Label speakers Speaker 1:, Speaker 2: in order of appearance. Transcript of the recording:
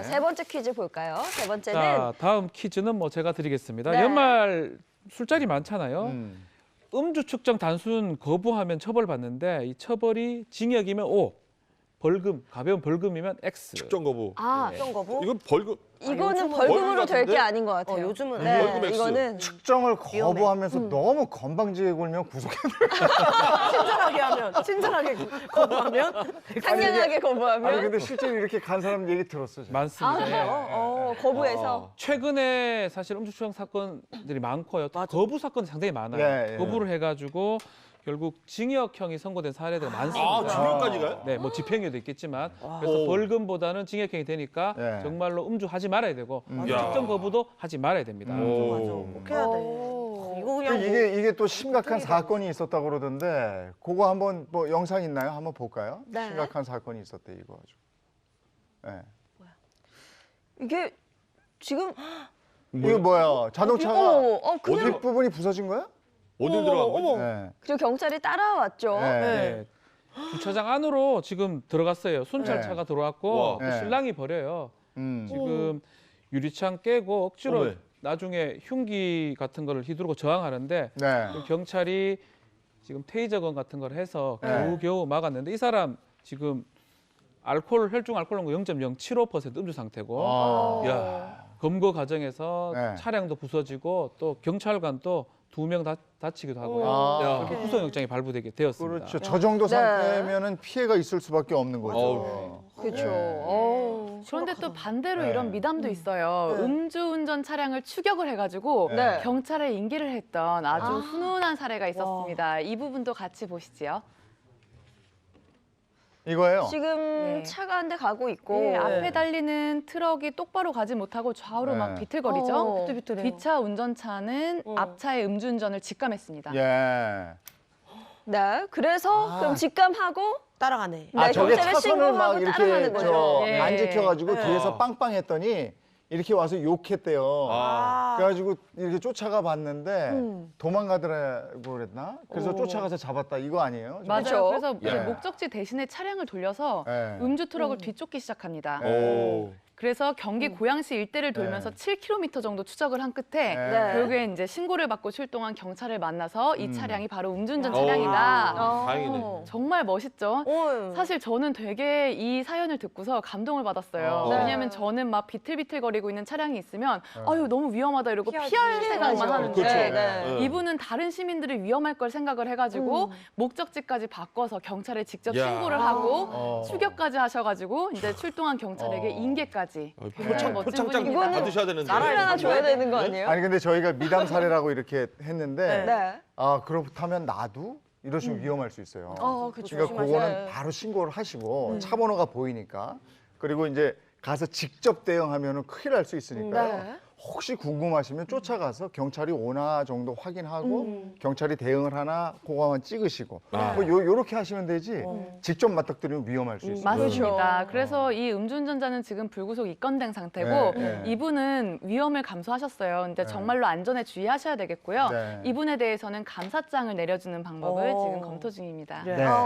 Speaker 1: 세 번째 퀴즈 볼까요? 세 번째는
Speaker 2: 자, 다음 퀴즈는 뭐 제가 드리겠습니다.
Speaker 1: 네.
Speaker 2: 연말 술자리 많잖아요. 음주 측정 단순 거부하면 처벌받는데 이 처벌이 징역이면 O, 벌금, 가벼운 벌금이면 X.
Speaker 3: 측정 거부.
Speaker 1: 측정 거부?
Speaker 3: 이건 벌금.
Speaker 1: 이거는
Speaker 3: 요즘은
Speaker 1: 벌금으로 될 게
Speaker 3: 같은데?
Speaker 1: 아닌 것 같아요.
Speaker 4: 요즘은
Speaker 1: 네,
Speaker 3: 벌금 X.
Speaker 1: 이거는
Speaker 5: 측정을 거부하면서 너무 건방지게 굴면 구속해.
Speaker 4: 친절하게 하면, 친절하게 거부하면
Speaker 1: 상냥하게 거부하면
Speaker 5: 아니 근데 실제로 이렇게 간 사람 얘기 들었어. 제가.
Speaker 2: 많습니다.
Speaker 1: 아, 그래요? 거부해서
Speaker 2: 최근에 사실 음주 측정 사건들이 많고요. 또 거부 사건 상당히 많아요.
Speaker 5: 예, 예.
Speaker 2: 거부를 해가지고 결국 징역형이 선고된 사례들이 많습니다.
Speaker 3: 아, 징역까지 가요?
Speaker 2: 네, 뭐 집행유예도 있겠지만 그래서
Speaker 3: 오.
Speaker 2: 벌금보다는 징역형이 되니까
Speaker 5: 예.
Speaker 2: 정말로 음주하지 말아야 되고
Speaker 3: 야.
Speaker 2: 측정 거부도 하지 말아야 됩니다.
Speaker 3: 오.
Speaker 4: 꼭 해야 돼. 이거 그냥 뭐
Speaker 5: 이게 또 심각한 사건이 있었다고 그러던데 그거 한번 뭐 영상 있나요? 한번 볼까요?
Speaker 1: 네.
Speaker 5: 심각한 사건이 있었대 이거 아주. 네.
Speaker 1: 이게 지금
Speaker 5: 이거 뭐야? 자동차가
Speaker 1: 그냥
Speaker 5: 뒷부분이 부서진 거야?
Speaker 3: 어디 들어간 거지?
Speaker 5: 네.
Speaker 1: 그리고 경찰이 따라왔죠.
Speaker 5: 네.
Speaker 2: 네. 주차장 안으로 지금 들어갔어요. 순찰차가 들어왔고
Speaker 3: 와.
Speaker 2: 또
Speaker 5: 네.
Speaker 2: 신랑이 버려요.
Speaker 5: 음.
Speaker 2: 지금 유리창 깨고 억지로
Speaker 3: 어메.
Speaker 2: 나중에 흉기 같은 거를 휘두르고 저항하는데
Speaker 5: 네.
Speaker 2: 그 경찰이 지금 테이저건 같은 걸 해서
Speaker 5: 네.
Speaker 2: 겨우 막았는데 이 사람 지금 혈중 알코올 농도 0.075% 음주 상태고
Speaker 5: 아.
Speaker 3: 야.
Speaker 2: 검거 과정에서
Speaker 5: 네.
Speaker 2: 차량도 부서지고 또 경찰관도 2명 다치기도 하고요.
Speaker 5: 아.
Speaker 2: 그리고 구속영장이 발부되게 되었습니다.
Speaker 5: 그렇죠. 저 정도 상태면은 피해가 있을 수밖에 없는 거죠.
Speaker 3: 어우.
Speaker 1: 그렇죠.
Speaker 5: 네.
Speaker 6: 그런데 또 반대로
Speaker 5: 네.
Speaker 6: 이런 미담도 있어요. 음주운전 차량을 추격을 해가지고
Speaker 1: 네.
Speaker 6: 경찰에 인계를 했던 아주
Speaker 1: 아.
Speaker 6: 훈훈한 사례가 있었습니다. 이 부분도 같이 보시지요.
Speaker 5: 이거예요.
Speaker 1: 지금
Speaker 6: 네.
Speaker 1: 차가 한 대 가고 있고
Speaker 6: 네, 앞에 달리는 트럭이 똑바로 가지 못하고 좌우로
Speaker 5: 네.
Speaker 6: 막 비틀거리죠.
Speaker 4: 비틀비틀해요.
Speaker 6: 뒷차 운전차는 앞차의 음주운전을 직감했습니다.
Speaker 5: 예.
Speaker 1: 네. 그래서 그럼 직감하고
Speaker 4: 따라가네.
Speaker 1: 네,
Speaker 5: 저게
Speaker 1: 경찰에
Speaker 5: 차선을 막
Speaker 1: 신고하고 따라가는
Speaker 5: 이렇게
Speaker 1: 거죠.
Speaker 6: 예.
Speaker 5: 안 지켜가지고
Speaker 4: 네.
Speaker 5: 뒤에서 빵빵했더니 이렇게 와서 욕했대요.
Speaker 3: 아.
Speaker 5: 그래가지고 이렇게 쫓아가 봤는데
Speaker 1: 음.
Speaker 5: 도망가더라고 그랬나? 그래서 쫓아가서 잡았다 이거 아니에요?
Speaker 6: 맞아요.
Speaker 1: 그렇죠?
Speaker 6: 그래서 이제
Speaker 5: 예.
Speaker 6: 목적지 대신에 차량을 돌려서
Speaker 5: 예.
Speaker 6: 음주 트럭을 뒤쫓기 시작합니다.
Speaker 5: 오.
Speaker 6: 그래서 경기 고양시 일대를 돌면서
Speaker 5: 네.
Speaker 6: 7km 정도 추적을 한 끝에
Speaker 5: 네.
Speaker 6: 결국엔 이제 신고를 받고 출동한 경찰을 만나서 이 차량이 바로 음주운전
Speaker 4: 야.
Speaker 6: 차량이다.
Speaker 3: 다행이네.
Speaker 6: 정말 멋있죠?
Speaker 1: 어.
Speaker 6: 사실 저는 되게 이 사연을 듣고서 감동을 받았어요.
Speaker 5: 네.
Speaker 6: 왜냐하면 저는 막 비틀비틀거리고 있는 차량이 있으면 아유 너무 위험하다 이러고
Speaker 4: 피하지.
Speaker 6: 피할 생각만
Speaker 1: 피해야죠.
Speaker 6: 하는데
Speaker 3: 그렇죠.
Speaker 1: 네.
Speaker 6: 이분은 다른 시민들이 위험할 걸 생각을 해가지고 목적지까지 바꿔서 경찰에 직접
Speaker 3: 야.
Speaker 6: 신고를 하고
Speaker 5: 어.
Speaker 6: 추격까지 하셔가지고 이제 출동한 경찰에게
Speaker 5: 어.
Speaker 6: 인계까지.
Speaker 3: 표창,
Speaker 6: 멋진
Speaker 3: 표창장
Speaker 6: 분입니다.
Speaker 3: 받으셔야 되는데.
Speaker 1: 나라를 하나 줘야 되는 거 아니에요?
Speaker 5: 아니 근데 저희가 미담 사례라고 이렇게 했는데
Speaker 1: 네.
Speaker 5: 아 그렇다면 나도 이러시면 위험할 수 있어요.
Speaker 1: 그렇죠.
Speaker 5: 그러니까 그거는
Speaker 1: 조심하셔야
Speaker 5: 바로 신고를 하시고 차 번호가 보이니까 그리고 이제 가서 직접 대응하면은 큰일 날 수 있으니까요.
Speaker 1: 네.
Speaker 5: 혹시 궁금하시면 쫓아가서 경찰이 오나 정도 확인하고 경찰이 대응을 하나 그거만 찍으시고
Speaker 3: 아.
Speaker 5: 뭐 요렇게 하시면 되지 직접 맞닥뜨리면 위험할 수 있어요.
Speaker 6: 맞습니다. 그래서 이 음주운전자는 지금 불구속 입건된 상태고
Speaker 5: 네, 네.
Speaker 6: 이분은 위험을 감수하셨어요. 근데 정말로 안전에 주의하셔야 되겠고요.
Speaker 5: 네.
Speaker 6: 이분에 대해서는 감사장을 내려주는 방법을
Speaker 4: 오.
Speaker 6: 지금 검토 중입니다.
Speaker 4: 네.
Speaker 5: 네.